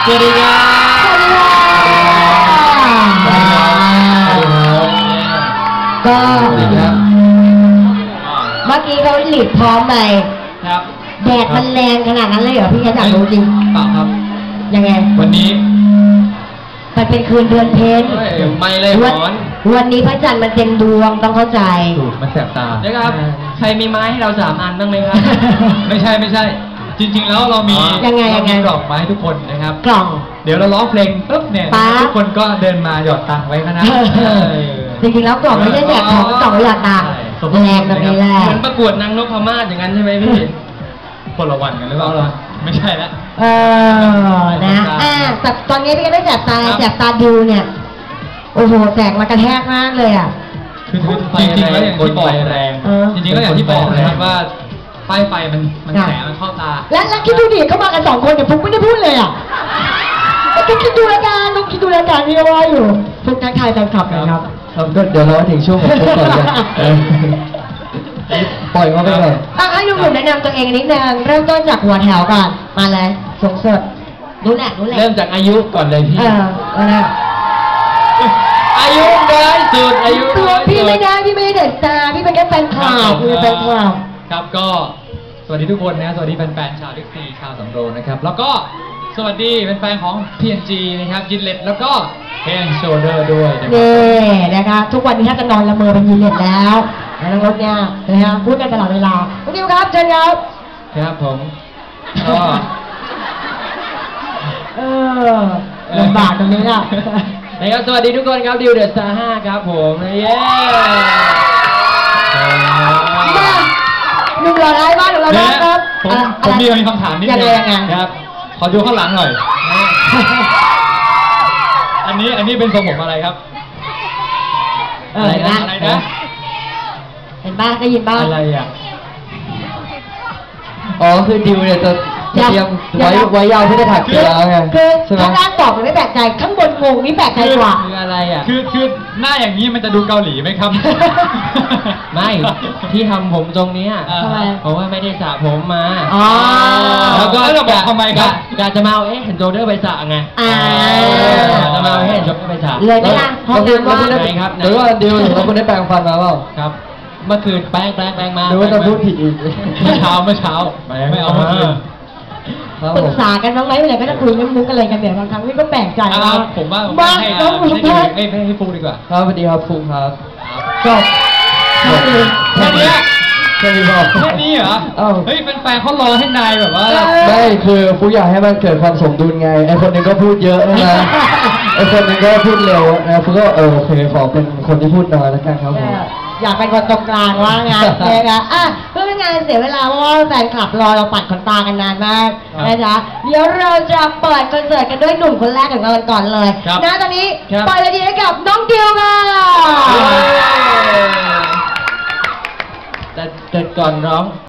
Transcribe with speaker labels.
Speaker 1: สวัสดีครับ
Speaker 2: สวัสดีค่ะก็เมื่อกี้เขาหลีดพร้อมไป
Speaker 1: ครับ
Speaker 2: แดดมันแรงขนาดนั้นเลยเหรอพี่แกอยากรู้จริง
Speaker 1: เปล่าครับ
Speaker 2: ยังไง
Speaker 1: วันนี้
Speaker 2: มันเป็นคืนเดือนเพ็ญ
Speaker 1: ไม่เลยหอน
Speaker 2: วันนี้พระจันทร์มันเต็มดวงต้องเข้าใจ
Speaker 1: มันแสบตาเดี๋ยวครับใครมีไม้ให้เรา3 อันบ้างไหมครับ ไม่ใช่จริงๆแล้วเรามีกล่องไม้ทุกคนนะครับ
Speaker 2: กล่อง
Speaker 1: เดี๋ยวเราร้องเพลงปุ๊บเนี่ยทุกคนก็เดินมาหยอดตังค์ไว้นะ
Speaker 2: จริงๆแล้วกล่องไม่ใช่แจกของกล่องหยอดตังค์แรงแบบนี้แหละ
Speaker 1: เหมือนประกวดนางนพมาศอย่างนั้นใช่ไหมพี่คนละวันกันหรือเปล่าไม่ใช่แล้ว
Speaker 2: นะแต่ตอนนี้พี่ก็ได้แจกตาดูเนี่ยโอ้โหแสงมากระแทกมากเลยอ่ะ
Speaker 1: คือจริงๆแล้วอย่างที่บอกแรงจริงๆแล้วอย่างที่บอกนะครับว่าป้ายไฟมันแสงมันเข้าตา
Speaker 2: แล้วคิดดูดิเขามากัน2 คนเนี่ยฟุ๊กไม่ได้พูดเลยอ่ะฟุ๊กคิดดูรายการที่ว่าอยู่ฟุ๊กทักทายแฟนคลับนะครับ
Speaker 3: ก็เดี๋ยวรอถึงช่วงของฟุ๊กก่อนเลยปล่อยเขาไปเลย
Speaker 2: ให้หนุ่มๆแนะนำตัวเองนิดนึงเริ่มต้นจากหัวแถวก่อนมาเลยสงสดรู้แหละ
Speaker 1: เริ่มจากอายุก่อนเลยพี่อายุน้อยสุดอายุ
Speaker 2: พี่ไม่ได้เด็กตาพี่เป็นแค่แฟนคลับคือแฟนคลับ
Speaker 1: ครับก็สวัสดีทุกคนนะสวัสดีแฟนๆชาวดิสนีย์ชาวสำโรงนะครับแล้วก็สวัสดีแฟนๆของ PNG นะครับยินเล็ตแล้วก็เฮนโชเดอร์ด้วย
Speaker 2: นี่นะคะทุกวันนี้ถ้าจะนอนละเมอเป็นยินเล็ตแล้วน้องรถเนี่ยนะฮะพูดกันตลอดเวลาคุณดิวครับเชิญครับ
Speaker 1: ครับผมก็
Speaker 2: ลำบากตรงนี้อ่ะ
Speaker 1: นะครับสวัสดีทุกคนครับดิวเดอะสตาร์5ครับผมเย้
Speaker 2: หนุ่มหล่อร้ายบ้านของเราครับ
Speaker 1: ผมมีคำถามนิดนึงครับขอดูข้างหลังหน่อยอันนี้เป็นทรงผมอะไรครับ
Speaker 2: อะไรนะเห็นบ้างได้ยินบ้าง
Speaker 1: อะไรอ่ะ
Speaker 3: อ๋อคือดิวเนี่ยจะเตรียมไว้ยาวเพื่อจะถักเสื้อไง
Speaker 2: คือข้างล่างบอกไม่แปลกใจข้างบนงงนี่แปลกใจกว่า
Speaker 1: คืออะไรอ่ะคือหน้าอย่างนี้มันจะดูเกาหลีไหมครับ
Speaker 3: ไม่ที่ทำผมตรงนี้เพราะว่าไม่ได้สระผมมา
Speaker 1: แล้วก็จะบอกทำไมครับ
Speaker 3: อยากจะมาเอาเห็นโจเดอร์ไปสระไงจะมาเอาเห็นโจเดอร์ไปสระ
Speaker 2: เลยไหมล่ะ
Speaker 3: ห้องน้ำว่างไงครับหรือว่าดิวเราคุณได้แปรงฟันมาเปล่า
Speaker 1: ครับ
Speaker 3: เมื่อคืนแปรงมา
Speaker 1: หรือว่าจะพูดผิดอีกเมื่อเช้าไม่เอามา
Speaker 2: ปรึกษากันบ้างไหมเมื่อไหร่ก็จะคุยมุกอะไรกันเนี่ยบางครั้งนี่ก็แปลกใจนะ
Speaker 1: ผมว่าให้ฟูดีกว่า
Speaker 3: ครับสวัสดีครับฟูครับ
Speaker 2: จบ
Speaker 1: แค่นี้เหรอเฮ้ยแฟนเขารอให้นายแบบว่า
Speaker 3: ไม่คือฟูอยากให้มันเกิดความสมดุลไงไอคนนึงก็พูดเยอะนะไอคนนึงก็พูดเร็วนะฟูก็โอเคขอเป็นคนที่พูดน้อยแล้วกันครับผม
Speaker 2: อยากเป็นคนตรงกลางว่างานเลยนะเพื่อไม่งานเสียเวลาเพราะว่าแฟนคลับรอเราปัดขนตากันนานมากนะจ๊ะเดี๋ยวเราจะเปิดคอนเสิร์ตกันด้วยหนุ่มคนแรกของเราก่อนเลยนะตอนนี้เปิดเลยดีให้กับน้องดิวค่ะ
Speaker 3: แต่ก่อนร้อง